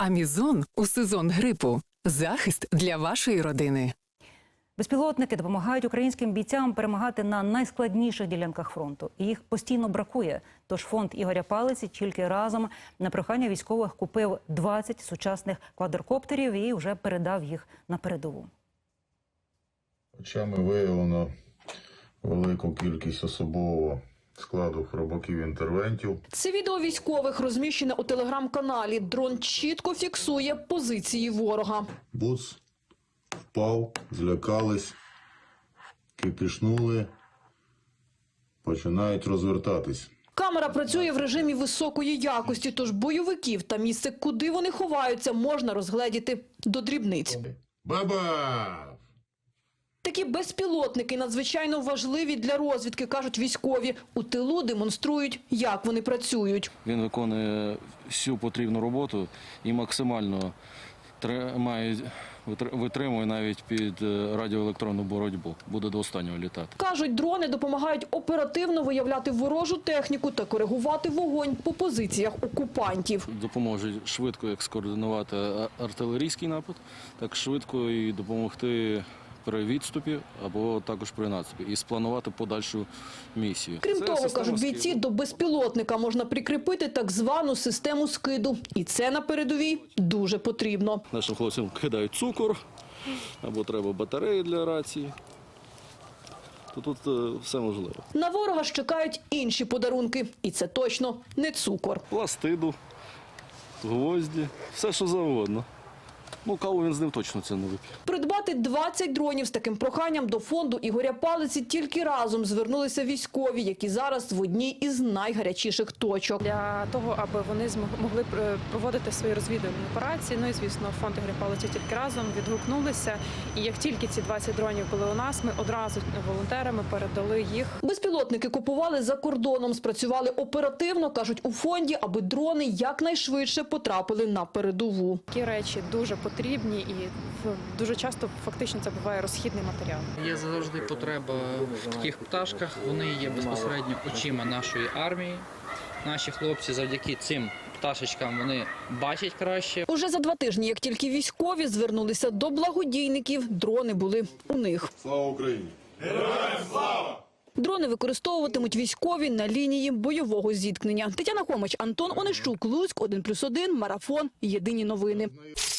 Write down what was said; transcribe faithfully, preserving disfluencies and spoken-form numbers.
Амізон у сезон грипу. Захист для вашої родини. Безпілотники допомагають українським бійцям перемагати на найскладніших ділянках фронту. І їх постійно бракує. Тож фонд Ігоря Палиці тільки разом на прохання військових купив двадцять сучасних квадрокоптерів і вже передав їх на передову. Очами виявлено велику кількість особового складу хробаків-інтервентів. Це відео військових розміщене у телеграм-каналі. Дрон чітко фіксує позиції ворога. Буц впав, злякались, кипішнули, починають розвертатись. Камера працює в режимі високої якості, тож бойовиків та місце, куди вони ховаються, можна розгледіти до дрібниць. Баба! Такі безпілотники надзвичайно важливі для розвідки, кажуть військові. У тилу демонструють, як вони працюють. Він виконує всю потрібну роботу і максимально тримає, витримує навіть під радіоелектронну боротьбу. Буде до останнього літати. Кажуть, дрони допомагають оперативно виявляти ворожу техніку та коригувати вогонь по позиціях окупантів. Допоможе швидко як скоординувати артилерійський напад, так швидко і допомогти при відступі або також при наступі і спланувати подальшу місію. Крім це того, кажуть бійці, скиду. до безпілотника можна прикріпити так звану систему скиду. І це на передовій дуже потрібно. Нашим хлопцям кидають цукор, або треба батареї для рації. То тут е, все можливо. На ворога ж чекають інші подарунки. І це точно не цукор. Пластиду, гвозді, все що завгодно. Ну, каву він з ним точно це не вип'є. Придбати двадцять дронів з таким проханням до фонду Ігоря Палиці тільки разом звернулися військові, які зараз в одній із найгарячіших точок. Для того, аби вони змогли проводити свої розвідувальні операції. Ну і, звісно, фонд Ігоря Палиці тільки разом відгукнулися. І як тільки ці двадцять дронів були у нас, ми одразу волонтерами передали їх. Безпілотники купували за кордоном, спрацювали оперативно, кажуть у фонді, аби дрони якнайшвидше потрапили на передову. Такі речі дуже потрібні і дуже часто фактично це буває розхідний матеріал. Є завжди потреба в таких пташках, вони є безпосередньо очима нашої армії. Наші хлопці завдяки цим пташечкам вони бачать краще. Уже за два тижні, як тільки військові звернулися до благодійників, дрони були у них. Слава Україні! Героям слава! Дрони використовуватимуть військові на лінії бойового зіткнення. Тетяна Хомич, Антон Онищук, Луцьк, один плюс один, Марафон, Єдині новини.